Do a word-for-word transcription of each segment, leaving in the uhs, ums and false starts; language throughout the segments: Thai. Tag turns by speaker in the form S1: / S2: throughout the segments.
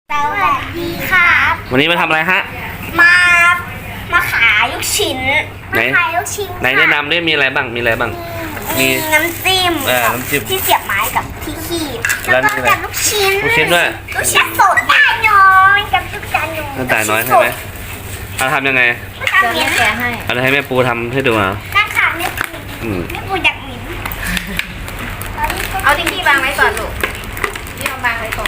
S1: สวัสดีครับ
S2: วันนี้มาทำอะไรฮะ
S1: มา มาขายลูกชิ้น
S2: ไหน
S1: มาขายลูกชิ้น
S2: ไหนแนะนำได้มีอะไรบ้างมีอะไรบ้าง มี
S1: มีน้ำจิ้ม
S2: เออน้ำจิ้ม
S1: ที่เสียบไม้กับที่ขีด
S2: แล้
S1: แล้ว ว
S2: นี่
S1: ก็
S2: อะไร
S1: กับลูกชิ้น
S2: ลูกชิ้นด้วย
S1: ลูกชิ้นสดตาน้อยกับลูกจานน้อย
S2: น้ำตาลน้อยใช่ไหมเอาทำยังไง
S1: ทำ
S3: เดี๋ยว
S1: เนี้ย
S3: แม่แกะให้
S2: เอาให้แม่ปูทำให้ดูเอา
S1: นั่งขาไม่ปู
S2: อืม
S1: ไม่ปูอยากหมิ่น
S3: เอาที่พี่วางไว้ก่อนลูกพี่วางไว้ก่อน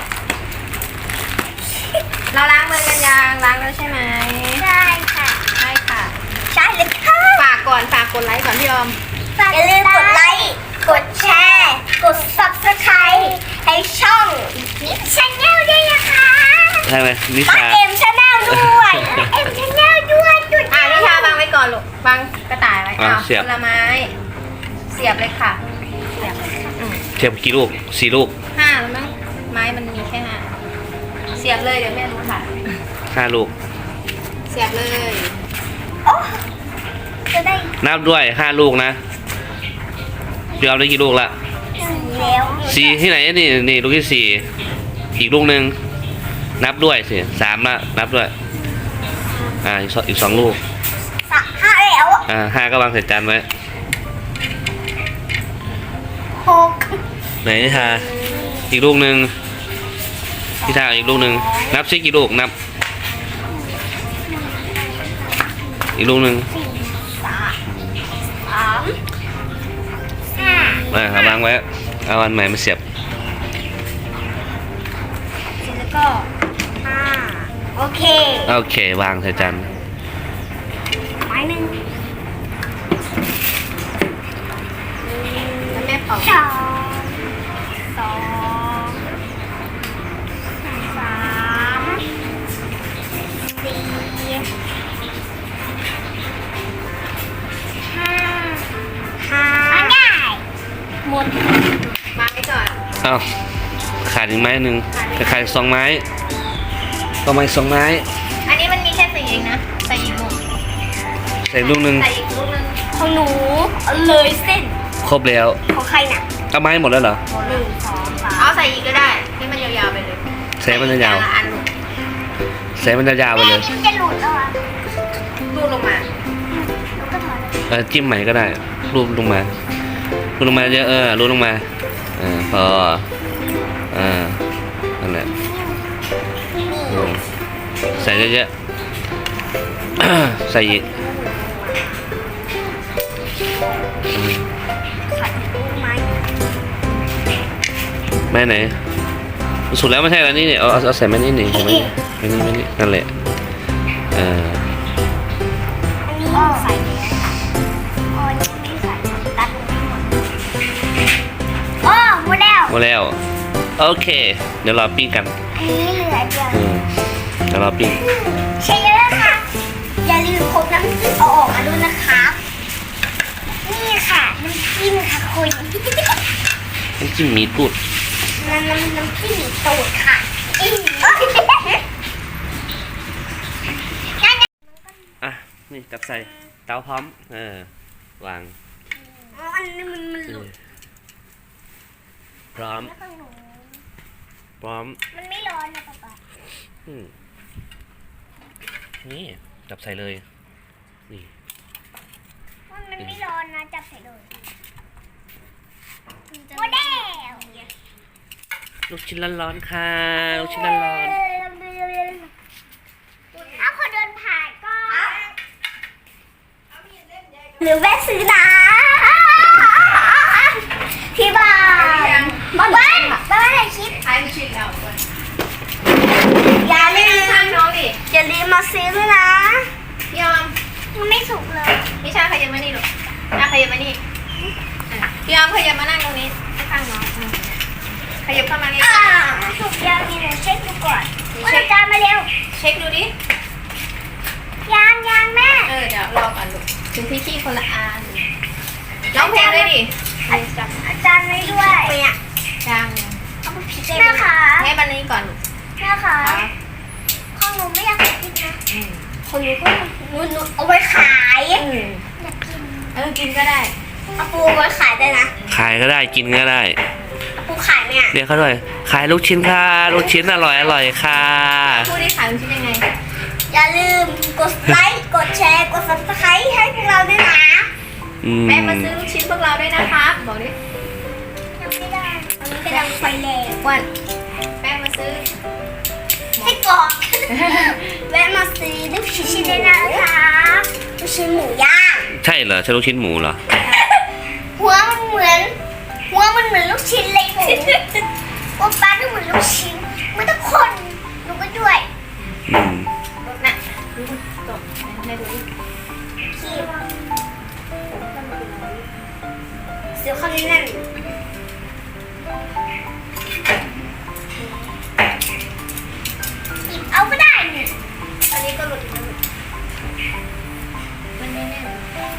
S3: เราล้างมือกันยังล้างแล้วใช่ไหม
S1: ใช่ค่ะ
S3: ใช่ค่ะ
S1: ใช่เลยค่ะ
S3: ฝากก่อนฝากกดไลค์ก่อนพี่ออม
S1: อย่าลืมกดไลค์กดแชร์กด ซับสไครบ์ ให้ช่องนิชาแนลด้วยนะคะ
S2: ใช่ไหมนิ
S1: ป้า
S2: ชา
S1: เอ็มชาแนลด้วยเอ็มชาแนลด้วยจุด
S3: อ่านิชาวางไว้ก่อนลูกวางกระต่ายไว้
S2: อ่ะ
S3: อ้าว
S2: เสียบ
S3: ผลไม้ เสียบเลยค่ะ เสียบอืม
S2: เทียบกี่ลูกสี่ลูก
S3: ห้าแล้วมั้งไม้มันมีแค่ห้าเสียบเลยเดี๋ยวแม่รู้ค่ะ
S2: ห้าลูก
S3: เสียบเลย
S1: โอ้จะได้
S2: นับด้วยห้าลูกนะพี่เอาได้กี่ลูกละ
S1: สีแล้ว
S2: สี่ที่ไหนนี่นี่ลูกที่สี่อีกลูกหนึ่งนับด้วยสิสามละนับด้วยอ่าอีกสองอีกสองลูก
S1: สามห้าแล้ว
S2: อ่าห้าก็วางใส่จานไว้
S1: หก
S2: ไหนนิชาอีกลูกหนึ่งพี่ชาอีกลูกหนึ่งนับซิกี่ลูกนับ อีกลูกหนึ่ง
S1: สี่สามสามห้า
S2: อ่าเอาวางไว้เอาอันใหม่มาเสียบ
S1: แล้วก็ห้าโอเค
S2: โอเควางใส่จาน
S1: ไม้หนึ่ง
S3: แล้วแม่เป่า
S1: สองสองสามสี่ห้าห้าง่ายหมด
S3: วางไว้ก่อน
S2: เอ้าขาดอีกไม้หนึ่งขาดอีกสองไม้ต่อมาอีกสองไม้
S3: อันนี้มันมีแค่สี่เองนะใส่อีกลูก
S2: ใส่ลูกหนึ่ง
S3: ใส่อีกลูกนึง
S1: ของหนูเลยเส้น
S2: ครบแล้ว
S1: ของใครน่ะ
S2: เอาไม้หมดแล้วเหรอ
S1: หนึ่งสองสาม
S3: เอาใส่อีกก็ได้ให้มันยาวๆไปเลย
S2: ใส่มันยาว
S3: แต่ละอันลูก
S2: ๆใส่มันยาวๆไป
S1: แม่
S2: เลย
S1: นี่มันจะหลุดแล้วอ่ะ
S3: ลูกลงมา
S1: แล้วก็ถอยเลย
S2: เออจิ้มใหม่ก็ได้รูปลงมารูปลงมาเยอะเออรูปลงมาเออพอเออนั่นแหละ
S1: นี่
S2: อืมใส่เยอะๆ ใส่อีกอืม
S1: ขัดลูกไม้
S2: แม่ไหนสุดแล้วไม่ใช่แล้วนี่เนี่ยเอาเอาเอาใส่แม่นี่นี่ใส่แม่นี่แม่นี่แม่นี่นั่นแหละเออ
S1: อันนี้ใส่แล้วอ๋อยังไม่ใส่ตัดไม่หมดอ๋อหมดแล้ว
S2: หมดแล้วโอเค เดี๋ยวรอปิ้งกัน
S1: อันนี้เหลือเดียว
S2: อืมเดี๋ยวรอปิ้ง
S1: ใช่แล้วค่ะ อย่าลืมพกน้ำจิ้มเอาออกมาด้วยนะครับ นี่ค่ะน้ำจิ้มค่ะคุณ
S2: น้ำจิ้มหมีตูด
S1: น้ำน้ำน้ำจิ้มหมีตูดค่ะอี
S2: อ่ะนี่จับใส่เตาพร้อมเออวาง
S1: อ๋ออันนี้มันมันหลุด
S2: พร้อม
S1: แล้วของหนู
S2: พร้อม
S1: มันไม่ร้อนนะป๊าป๊า
S2: อืมนี่จับใส่เลยนี่
S1: มันมันไม่ร้อนนะจับใส่เลยโมเดล
S2: ลูกชิ้นร้อนๆค่ะลูกชิ้นร้อน
S1: ถ้าคนเดินผ่านก็หรือแวะซื้อนะที่บ้านบ้านบ้านบ้านไหนคิด
S3: ใช้ชิ้นแล้วด้วย
S1: อย่าลืม
S3: ข้างน้องดิ
S1: อย่าลืมมาซื้อด้วยนะ
S3: พี่ออม
S1: มันไม่สุกเลย
S3: นิชาขยับมานี่ลูกอ่ะขยับมานี่อ่ะพี่ออมขยับมานั่งตรงนี้ข้างน้องอืมขยับเข้ามานี่
S1: อ่าสุกยังมีหนูเช็คดูก่อนว่าจานมาเร็ว
S3: เช็คดูดิ
S1: ยางยางแม่
S3: เออเดี๋ยวรอก่อนลูกถึงพี่ขี้คนละอันร้องเพลงด้วยดิ
S1: อาจารย์ไม่ด้วยเนี่ย
S3: จัง
S1: เอาไปผิดแม่ค่ะ
S3: ให้บันนี้ก่อนลูก
S1: แม่ค่ะ
S3: ครับ
S1: ข้องหนูไม่อยากกินนะ
S3: อืม
S1: คนหนูก็หนูหนูเอาไว้ขาย
S3: อืม
S1: อยากกิน
S3: เออกินก็ได้
S1: อาปูไว้ขายได้นะ
S2: ขายก็ได้กินก็ได้
S1: อาปูขายเนี่ย
S2: เรียกเขาด้วยขายลูกชิ้นค่ะลูกชิ้นอร่อยอร่อยค่ะ
S3: พูดได้ขายลูกชิ้นยังไง
S1: อย่าลืมกดไลค์กดแชร์กด ซับสไครบ์ ให้พวกเราด้วยนะ
S2: อืม
S3: แม่มาซื้อลูกชิ้นพวกเราด้วยนะครับบอกดิ
S1: ยังไม่ได้ตอนนี้กำลังไฟแรง
S3: วันแม่มาซื้อ
S1: ให้กรอกแวะมาซื้อลูกชิ้นได้นะคะลูกชิ้นหมูย่าง
S2: ใช่เหรอใช่ลูกชิ้นหมูเหรอ
S1: หัวมันเหมือน หัวมันเหมือนลูกชิ้นเลยหมูหัวปลาก็เหมือนลูกชิ้นมันต้องคนหนูก็ด้วย
S2: อืม
S3: น่ะดูจบแม่ดูดิ
S1: คีบเสียวข้างนี้นั่นหยิบเอาก็ได้นี่
S3: อันนี้ก็หลุดอีกแล้วมันไม่แน่น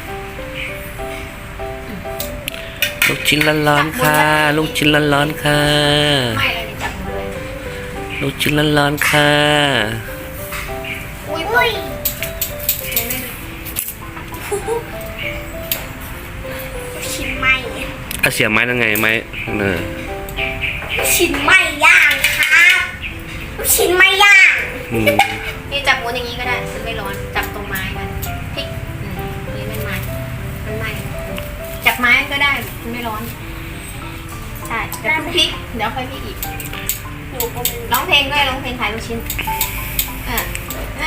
S2: ลูกชิ้นร้อนๆค่ะ ลูกชิ้นร้อนๆค่ะ
S3: ไม่เลยดิจับมือเลย
S2: ลูกชิ้นร้อนๆค่ะ
S3: อุ้ย
S1: อุ้ย
S3: ไม่ไม่
S1: ลูกชิ้นไหม
S2: ถ้าเสียบไม้ยังไงไม้เออ
S1: ลูกชิ้นไหมย่างครับลูกชิ้นไหมย่าง
S2: อืม
S3: นี่จับม้วนอย่างนี้ก็ได้มันไม่ร้อนจับตรงไม้มันพลิกอืมนี่มันไม้มันไหม้จับไม้ก็ได้มันไม่ร้อนใช่เดี๋ยวพลิกเดี๋ยวค่อยพลิกอีก
S1: หนูก็ไม่รู้
S3: ร้องเพลงด้วยร้องเพลงขายลูกชิ้นอ่ะอ่ะ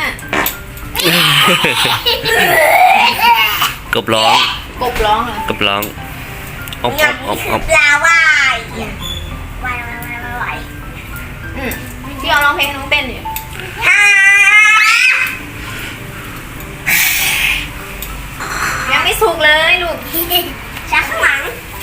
S2: กบร้อง
S3: กบร้องเหรอก
S2: บร้องออม
S1: อ
S2: ออมออมออม
S1: ปลาว่ายว่ายว่ายว่ายว่าย
S3: อืมพี่เอาร้องเพลงน้องเต้นอยู่
S1: ฮ่า
S3: ยังไม่สุกเลยลูก
S1: ช้าข้างหลัง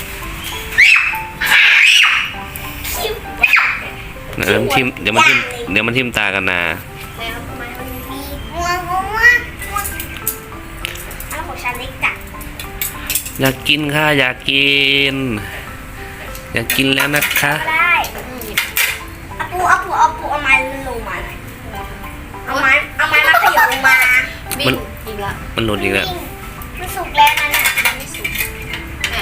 S1: คิว
S2: เดี๋ยวมันทิมเดี๋ยวมันทิมเดี๋ยวมันทิมตากันนะ
S3: แล้วทำไมมัน
S1: มีงัวงัวงัวงัวอันของฉันเล็กจัด
S2: อยากกินค่ะอยากกิน อยากกินแล้วนะคะ
S1: ได้
S3: อืม
S1: เอาปูเอาปูเอาปูเอาไม้ลงมาหน่อยเอาไม้เอาไม้มาขยับลงมา
S3: วิ่งอีกละ
S2: มันหลุดอีกแล้ว
S1: วิ่งมันสุกแล้วนั่นน่ะ
S3: ยังไม่สุกอ่ะ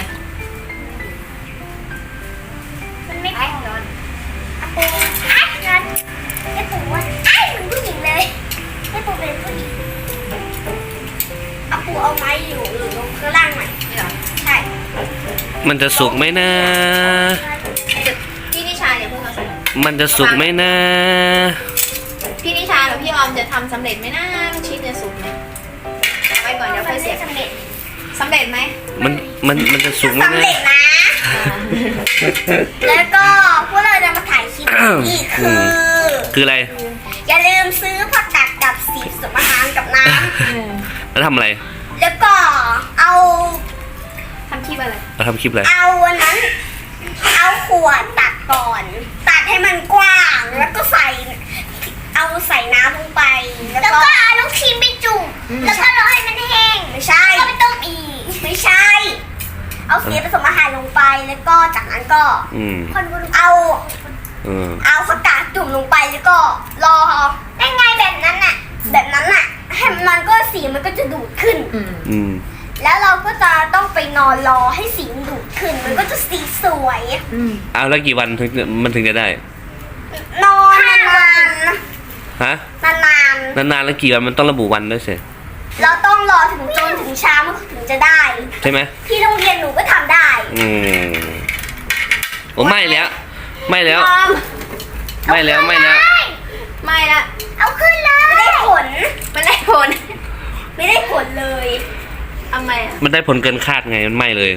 S1: มันไม่พอร้อนเอาปูไอ้นั่นไอ้ปูว่าไอ้เหมือนผู้หญิงเลยไอ้ปูเป็นผู้หญิงเอาปูเอาไม้อยู่หรือลงข้างล่างหน่อย
S3: นี่เหรอ
S1: ใช่
S2: มันจะสุกไหมนะ
S3: พี่นิชาอย่าเพิ่งเอาสำเร็จ
S2: มันจะสุกไหมนะ
S3: พี่นิชาหรือพี่ออมจะทำสำเร็จไหมนะลูกชิ้นจะสุกไหมเอาไว้ก่อนเดี๋ยวค่อยเสียบ
S1: สำเร็จ
S3: สำเร็จไหม
S2: มันมันมันจะสุกไหม
S1: สำ
S2: นะ
S1: เร็จนะ
S3: อ่า
S1: แล้วก็พวกเราจะมาถ่ายคลิปอีกคือ
S2: คืออะไร
S1: อย่าลืมซื้อผักกาดกับสีผสมอาหารกับน้
S2: แล้วทำอะไร
S1: ำแล้วก็เอา
S3: ทำคลิปอะไร
S2: เราทำคลิปอะไร
S1: เอาอันนั้น เอาขวดตัดก่อน ตัดให้มันกว้างแล้วก็ใส่ เอาใส่น้ำลงไป แล้วก็เอาลูกชิ้นไปจุ่มแล้วก็รอให้มันแห้งไม่ใช่ก็ไม่ต้มอีกไม่ใช่ เอาสีผสมอาหารลงไปแล้วก็จากนั้นก็
S2: อืม
S1: เอา
S2: เออ
S1: เอาผักกาดจุ่มลงไปแล้วก็รอได้ไงแบบนั้นน่ะ แบบนั้นน่ะให้มันก็สีมันก็จะดูดขึ้น
S3: อืม
S2: อืม
S1: แล้วเราก็จะต้องไปนอนรอให้สีมันดูดขึ้น มันก็จะสีสวย
S3: อืม
S2: เอาแล้วกี่วันถึงมันถึงจะได้
S1: นอนนาน
S2: ฮะ
S1: นานนาน
S2: นานๆแล้วกี่วันมันต้องระบุวันด้วยสิ
S1: ๆเราต้องรอถึงจนถึงเช้ามันถึงจะได้
S2: ใช่ไหม
S1: ที่โรงเรียนหนูก็ทำได้
S2: อืมโอ้ไม่แล้ว ไม่แล้ว
S1: ยอม
S2: ไม่แล้วไม่แล้ว
S3: ไม่ละ
S1: เอาขึ้นเลยไม่ได้ผล
S3: มันได้ผล
S1: ไม่ได้ผลเลย
S3: ทำไมอ่ะ
S2: มันได้ผลเกินคาดไงมันไม่เลย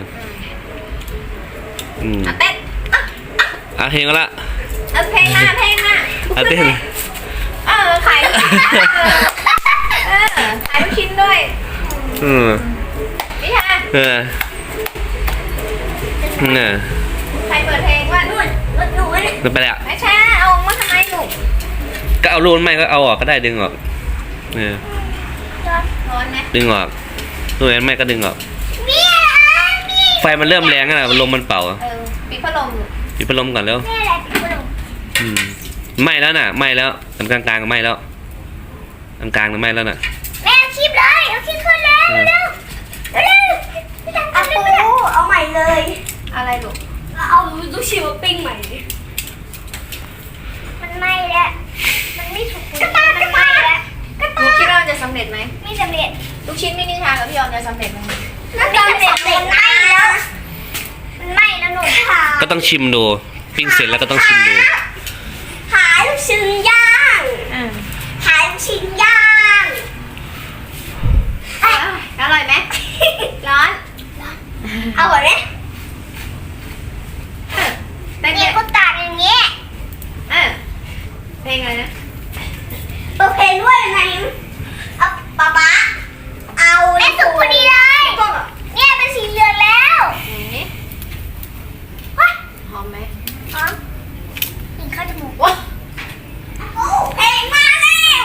S2: อืม
S3: อ่ะเต้นอ่ะ
S2: อ่ะเพลงก็ละ
S3: เอาเพลงหน้าเพลงหน้า
S2: อ่ะเต้น
S3: เออขายลูกชิ้นเออเออขายลูกชิ้นด้วย
S2: อืม
S3: นิชา
S2: เออเออ
S3: ใครเปิดเพลงว่า
S1: นู่นรถหนูเนี่ย
S2: ไม่ไปแล้ว
S3: นิชาเอามาทำไมลูก
S2: ก็เอารูนไม่ก็เอาออกก็ได้ดึงออกเออ
S3: ร้อนไหม
S2: ดึงออกรูนไม่ก็ดึงออก
S1: เมียเมีย
S2: ไฟมันเริ่มแรงแล้วนะลมมันเป่า
S3: เออปิดพัดลม
S2: ปิดพัดลมก่อนแล้ว
S1: เมียอะไรเป็นคน
S2: อืมไหม้แล้วน่ะไหม้แล้วอันกลางกลางๆก็ไหม้แล้วอันกลางก็ไหม้แล้วน่ะ
S1: แม่เอาคลิปเลยเอาคลิปขึ้นแล้วเร็วเร็วเร็วอาปูเอาใหม่เลย
S3: อะไรลูก
S1: เอาลูกชิ้นมาปิ้งใหม่ดิมันไหม้แล้วมันไม่ถูกกระตากมันไหม้แล้วกระ
S3: หนู
S1: ตา
S3: คิดว่าจะสำเร็จไหม
S1: ไม่สำเร็จ
S3: ลูกชิ้นมินิชากับพี่ออมจะสำเร็จไหม
S1: น่าจะสำเร็จมันไหม้แล้วมันไหม้แล้วหนูค่ะ
S2: ก็ต้องชิมดูปิ้งเสร็จแล้วก็ต้องชิมดู
S1: ขายลูกชิ้นย่าง
S3: อืม
S1: ขายลูกชิ้นย่าง
S3: อร่อยไหมร้อน
S1: เอาเหรอเนี่ย
S3: เต้น
S1: เนี่ยก็ตากอย่างเงี้ย
S3: เออเพลงอะไรนะ
S1: เปิดเพลงด้วยไหนเอาป๊าป๊าเอาแม่สุกพอดีเลยเนี่ยเป็นสีเหลืองแล้ว
S3: ไหน
S1: ว้า
S3: หอมไหม
S1: อ๋อกินข้าวจมูก
S3: ว้า
S1: โอ้เพลงมาแล้ว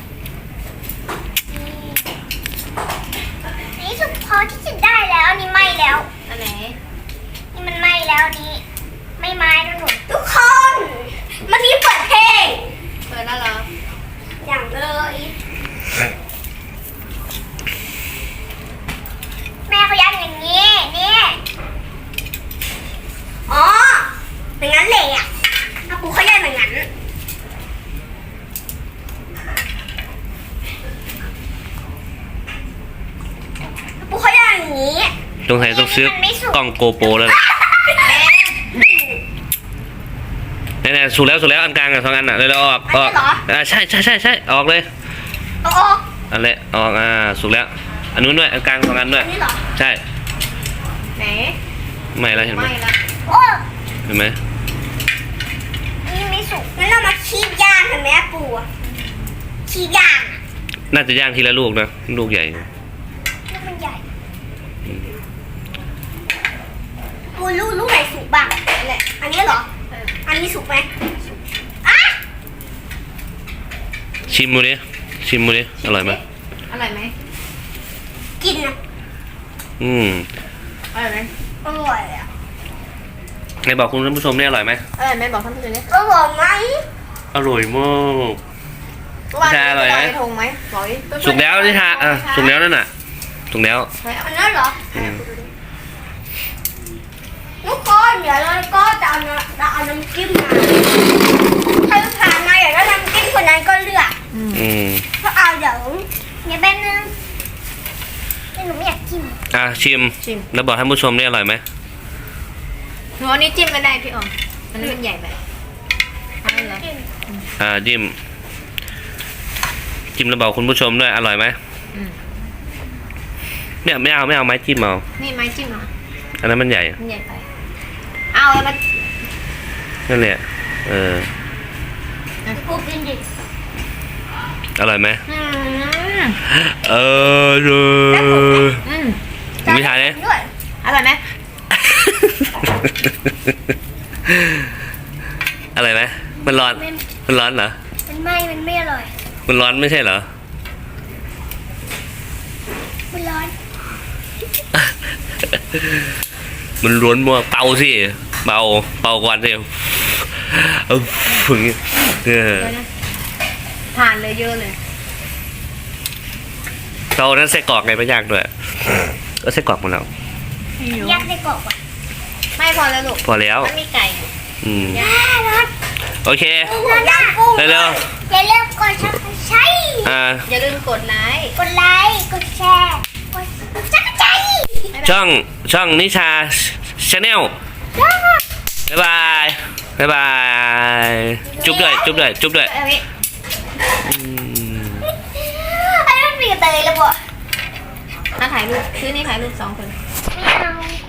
S1: นี่สุกพอที่จะได้แล้วอันนี่ไหม้แล้ว
S3: อันไหน
S1: นี่มันไหม้แล้วอันนี้ไม่ไหม้แล้วหนูทุกคนเมื่อกี้เปิดเพลง
S3: เปิดแล้วเหรอ
S1: อย่างเลยแม่เขาย่างอย่างนี้นี่อ๋ออย่างนั้นเลยอ่ะอาปูเขาย่างอย่างนั้นอาปูเขาย่างอย่างนี้
S2: ตรงไหนต้องซื้อกล้องโกโปรแล้วล่ะเนี่ยๆสุกแล้วสุกแล้วอันกลางอ่ะสองอันอ่ะเลยแล้วออกออกอ่าใช่ใช่ใช่ใช่ออกเลย
S1: โอ้โอ้
S2: อันเละออกอ่าสุกแล้วอันนู้นด้วยอันกลางสองอันด้วย
S1: อันนี้เหรอ
S2: ใช่
S3: ไหน
S2: ไม่แล้วเห็นไหม
S3: ไม่ละ
S1: โอ้
S2: เห็นไหม
S1: อันนี่ไม่สุกงั้นเรามาคีบย่างกันไหมอาปูอะคีบย่างอะ
S2: น่าจะย่างทีละลูกนะลูกใหญ่
S1: ลูกมันใหญ่ปูลูกลูกไหนสุกบ้าง
S3: นั่นแหละ
S1: อันนี้เหรอ
S3: เออ
S1: อันนี้สุกไหมอ่ะ
S2: ชิมดูดิชิมดูดิอร่อยไหม
S3: อร่อยไหม
S1: กินนะ
S2: อืม
S3: อร่อยไหม
S1: อร่อยอ่ะ
S2: ไหนบอกคุณผู้ชมเนี่ยอร่อยไหม
S3: อร่อยไหมบอกท่านผู้ชมดิ
S1: อร่อยไหม
S2: อร่อยมาก
S3: ว่า
S2: ชาอร่อยไหม
S3: ปทงไหมบอกดิ
S2: สุกแล้วนี่ทาอ่ะสุกแล้วนั่นน่ะสุกแล้ว
S3: ไม่เอา
S1: อันนั้นเหรอ
S2: อืม
S1: ทุกคนเดี๋ยวเราก็จะเอาน้ำจะเอาน้ำจิ้มมาใครผ่านมาอยากได้น้ำจิ้มคนนั้นก็เลือก
S2: อืม
S1: ก็เอาเดี๋ยวเดี๋ยวแป๊บนึงแต่หนูไม่อยากกิน
S2: อ่ะชิม
S3: ชิม
S2: แล้วบอกท่านผู้ชมเนี่ยอร่อยไหม
S3: หนูเอานี้จิ้มไม่ได้พี่ออมมันมันใหญ่ไปเอาเหรอ
S1: จิ้ม
S2: อ่าจิ้มจิ้มแล้วบอกคุณผู้ชมด้วยอร่อยไหม
S3: อืม
S2: เนี่ยไม่เอาไม่เอาไม้จิ้มเอา
S3: นี่ไม้จิ้มเหรอ
S2: อันนั้นมันใหญ่
S3: มันใหญ่ไปเอาแล้วมัน
S2: นั่นแหละเออ
S1: กูกินดิ
S2: อร่อยไหม
S3: อืม
S2: เออเลย
S3: อืม
S2: ไม่ทานเลย
S1: ด้วย
S3: อร่อยไหม
S2: อะไรไหมมันร้อน มันร้อนเหรอ
S1: มันไม่มันไม่อร่อย
S2: มันร้อนไม่ใช่เหรอ
S1: มันร้อน
S2: มันร้อนมากเป่าสิเป่าเป่าก่อนสิเอาฝึงเออ
S3: เดี๋ยวนะผ่านเลยเยอะเลย
S2: เรานั้นใส่กรอกไงไม่ยากด้วยก็ใส่กรอกหมดแล้ว
S1: ยักษ์ในกรอบอ่ะ
S3: ไม่พอแล้วลูก
S2: พอแล้ว
S3: มันมีไก่อยู่
S2: อืม
S1: ย่าร้อน
S2: โอเค
S1: ร้อนย่างกุ้ง
S2: เร็ว
S1: อย่าลืมกดชักใช้
S2: อ่า
S3: อย่าลืมกดไลค์
S1: กดไลค์กดแชร์กดชักใจ
S2: ช่องช่องนิชาชาแนลบ๊ายบายบ๊ายบายจุ๊บด้วยจุ๊บด้วยจุ๊บด้วย
S3: เอาไว้
S2: อืม
S1: ไอ้มันเปลี่ยนไปเลยแล้วบ่
S3: มาถ่ายรูปซื้อนี่ถ่ายรูปสองคน
S1: ไม่เอา